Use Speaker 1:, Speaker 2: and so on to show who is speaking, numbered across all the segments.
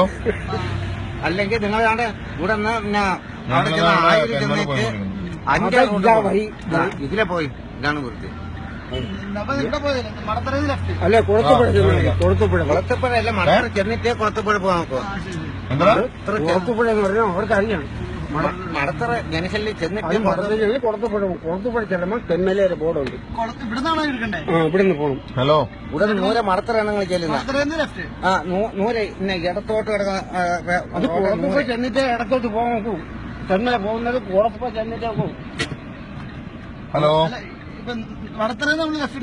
Speaker 1: അല്ലെങ്കിൽ നിങ്ങൾ ഇവിടെ പിന്നെ അവിടെ ചെന്ന് 1000 ചെന്നിട്ട് 5 ഇതിലെ പോയി ഇതാണ് വൃത്തി.
Speaker 2: അല്ല കുളത്തുപുഴ
Speaker 1: അല്ല മടത്തറ ചെന്നിട്ടേ കുളത്തുപുഴ പോകാൻ നോക്കുക.
Speaker 2: കുളത്തുപുഴ എന്ന് പറഞ്ഞാൽ അവർക്ക് അറിയാം.
Speaker 1: മടത്തറ ജനശല്യം ചെന്നിട്ട്
Speaker 2: കുളത്തുപുഴ ചെല്ലുമ്പോൾ തെന്മല ഒരു ബോർഡുണ്ട്. ഇവിടുന്ന് പോകണം.
Speaker 3: ഹലോ,
Speaker 1: ഇവിടെ നൂരെ മടത്തറയാണ് നിങ്ങൾ ചെല്ലുന്നത്. നൂരെ ഇടത്തോട്ട് കിടക്കുന്ന
Speaker 2: അത് കുളത്തുപുഴ ചെന്നിട്ട് ഇടത്തോട്ട് പോകാൻ നോക്കൂ. തെന്മല പോകുന്നത് കുളത്തുപുഴ ചെന്നിട്ടേ പോകും.
Speaker 3: ഹലോ,
Speaker 1: മടത്തറ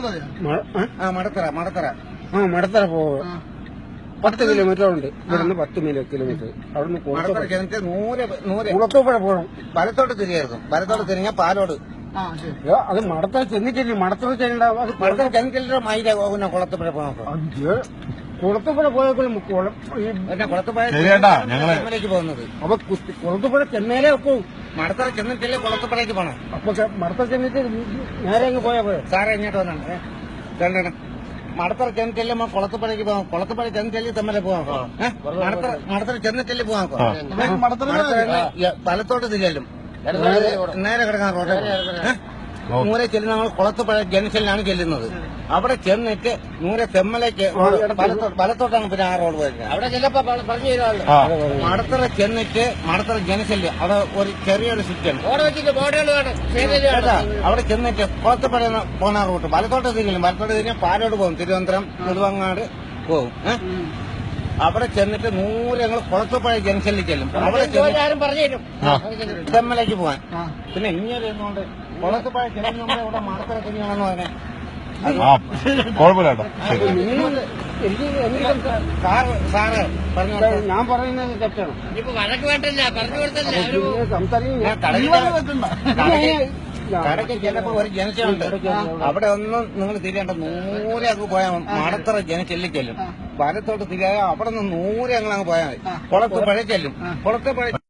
Speaker 2: മടത്തറ പോകും. 10 കിലോമീറ്റർ ഉണ്ട് ഇവിടുന്ന്. 10 കിലോമീറ്റർ അവിടുന്ന് കുളത്തുപുഴ പോകണം.
Speaker 1: വലത്തോട്ട് തിരിയായിരുന്നു. വലത്തോട്ട് തിരിഞ്ഞാൽ പാലോട്.
Speaker 2: അത് മടത്തറ ചെന്നിട്ടില്ല. മടത്തറ ചെല്ലുണ്ടാവും. അത്
Speaker 1: മടത്തറ ചെന്നിട്ടില്ല. മൈല കുളത്തുപുഴ പോകാൻ
Speaker 2: കുളത്തുപുഴ പോയപ്പോഴും
Speaker 1: കുളത്തുപുഴയിലേക്ക് പോകുന്നത്.
Speaker 2: അപ്പൊ കുളത്തുപുഴ ചെന്നൈയിലേ വെക്കും.
Speaker 1: മടത്തറ ചെന്നിട്ടില്ലേ കുളത്തുപുഴയ്ക്ക് പോകണം.
Speaker 2: അപ്പൊ മടത്തറ ചെന്നിട്ട് നേരെ അങ്ങ് പോയാ പോയ
Speaker 1: സാറേ ഇങ്ങോട്ട് വന്നാണ്. മടത്തറ ചെന്നിട്ടല്ലേ കുളത്തുപുഴയ്ക്ക് പോകാം. കുളത്തുപുഴ ചെന്നിട്ടല്ലേ തമ്മിലെ പോകാം. മടത്തറ ചെന്നിട്ടല്ലേ പോകാം. വലത്തോട്ട് തിരിയലും നേരെ കിടക്കാൻ റോഡ്. നൂരെ ചെല്ലുന്ന നമ്മൾ കുളത്തുപുഴ ജംഗ്ഷനിലാണ് ചെല്ലുന്നത്. അവിടെ ചെന്നിട്ട് നൂരെ തെമ്മലേക്ക് വലത്തോട്ടാണ് പിന്നെ ആ റോഡ് വരുന്നത്. അവിടെ ചെല്ലപ്പോ പറഞ്ഞു തരാമല്ലോ. മടത്തറ ചെന്നിട്ട് മടത്തറ ജംഗ്ഷനിൽ അവിടെ ഒരു ചെറിയൊരു സ്വിറ്റാണ് അവിടെ ചെന്നിട്ട് കുളത്തുപുഴ പോകുന്ന റൂട്ട് വലത്തോട്ട് തിരിഞ്ഞു. വലത്തോട്ട് തിരിഞ്ഞാൽ പാലോട് പോകും. തിരുവനന്തപുരം നെടുവങ്ങാട് പോകും. അവിടെ ചെന്നിട്ട് നൂറ് ഞങ്ങൾ കുളത്തുപുഴ ജംഗ്ഷനിൽ ചെല്ലും. അവിടെ തെമ്മലേക്ക് പോവാൻ. പിന്നെ ഇങ്ങനെ ഇരുന്നുകൊണ്ട് കുളത്തുപുഴ ചെല്ലുന്ന നമ്മളെ ഇവിടെ മടത്തറ തിരിഞ്ഞാണെന്ന് പറഞ്ഞേ. സാറ് പറഞ്ഞു.
Speaker 2: ഞാൻ പറയുന്നത് തെറ്റാണ്.
Speaker 1: കടയ്ക്ക് ചിലപ്പോ ഒരു ജനശയുണ്ട്. അവിടെ ഒന്നും നിങ്ങൾ തിരിയേണ്ട. നൂരെ അങ്ങ് പോയാൽ മടത്തറ ജനശല്യം ചെല്ലും. വലത്തോട്ട് തിരിയാ അവിടെ നിന്ന് നൂരെ ഞങ്ങൾ അങ്ങ് പോയാൽ മതി. കുളത്തുപുഴ ചെല്ലും. കുളത്തുപുഴ